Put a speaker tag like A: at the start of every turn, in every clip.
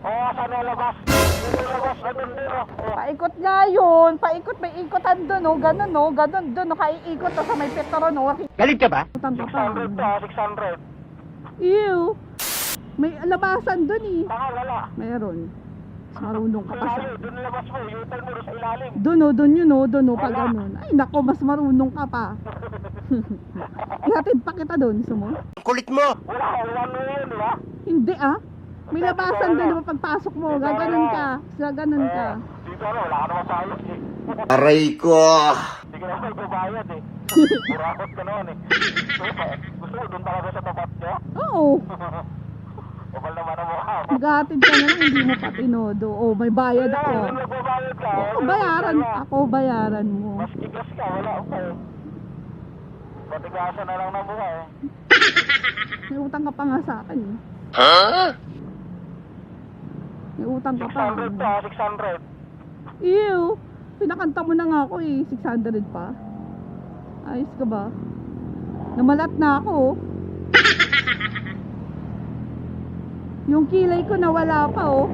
A: Oo, saan nalabas? Nalabas na dun din, oh.
B: Paikot nga yun. Paikot, may ikotan doon, oh. Ganun, oh. Ganun doon, oh. Kaiikot, oh, sa may petron, oh.
C: Galit ka ba?
B: Ikutan ka pa.
A: 600 to, 600.
B: Ew. May labasan doon, eh.
A: Baka wala.
B: Meron. Marunong ka pa sa...
A: Ilalim, dun labas mo, U-turn mo doon sa ilalim.
B: Doon, oh. Doon yun, oh. Doon, oh. Pag
A: Wala.
B: ganun. Ay, nako, mas marunong ka pa. Ihatid pa kita doon, gusto mo?
C: Kulit mo!
A: Wala, one way yun, di ba?
B: Hindi, ah. May labasan doon, oh. Pagpasok mo. Gaganon ka. Gaganon ka.
A: Dito ano, wala ka naman bayad eh.
C: Aray ko!
A: Hindi ka naman magbabayad eh. Burakot ka naman eh. Gusto mo doon talaga sa tapat niya?
B: Oo.
A: Kapal naman ang mukha mo.
B: Maghatid ka na lang, hindi mo pa tinodo. Oh, may bayad
A: Wala,
B: ako.
A: doon nagbabayad ka.
B: Oo, bayaran. Ako, bayaran mo.
A: Mas kikas ka, wala ka eh. Patigasan na lang ng mukha eh.
B: May utang ka pa nga sa akin, eh.
C: Ha?
B: May utang ka pa.
A: 600 to, 600.
B: Ew. Pinakanta mo na nga ako, eh. 600 pa. Ayos ka ba? Namalat na ako, oh. Yung kilay ko nawala pa, oh.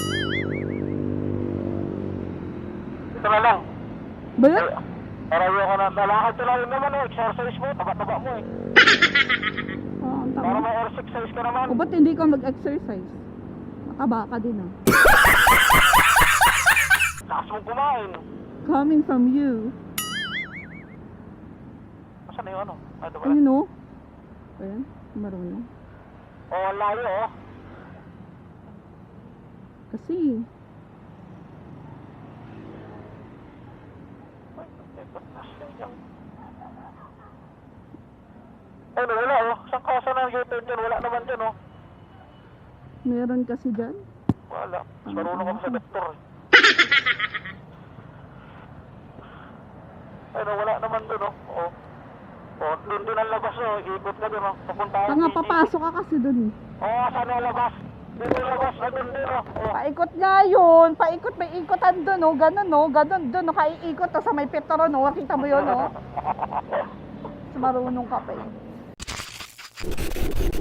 A: Ito na lang.
B: Ba yun?
A: Parayo ka na. Lalakad ka na rin naman eh. Exercise mo, taba-taba mo eh.
B: Oh, ang
A: Para
B: tama.
A: may exercise ka naman.
B: O, ba't hindi ka mag-exercise? Mataba ka din, ah.
A: Lakas mong kumain.
B: Coming from you.
A: Saan na yung ano? Ito ba?
B: Ayun, oh. Ayan, marunong.
A: Oh, layo oh.
B: Kasi,
A: Ano, wala oh. Saan ka sa nang U-turn dyan? Wala naman dyan oh.
B: meron kasi dyan.
A: Wala. Mas marunong ka pa sa doktor eh. Ano, wala naman dun oh. Oh. Oh, dun ang labas oh. Ikot ka dun oh. Papunta ka.
B: Tanga, papasok ka kasi dun, eh.
A: Oo, saan na labas? Dun yung labas na dun din oh. Oh.
B: Paikot nga yun. Paikot, may ikotan doon, oh. Ganun, oh. Ganun doon, oh. Kaiikot, oh. Sa may petron, oh. Kita mo yun, oh. Mas marunong ka pa, eh.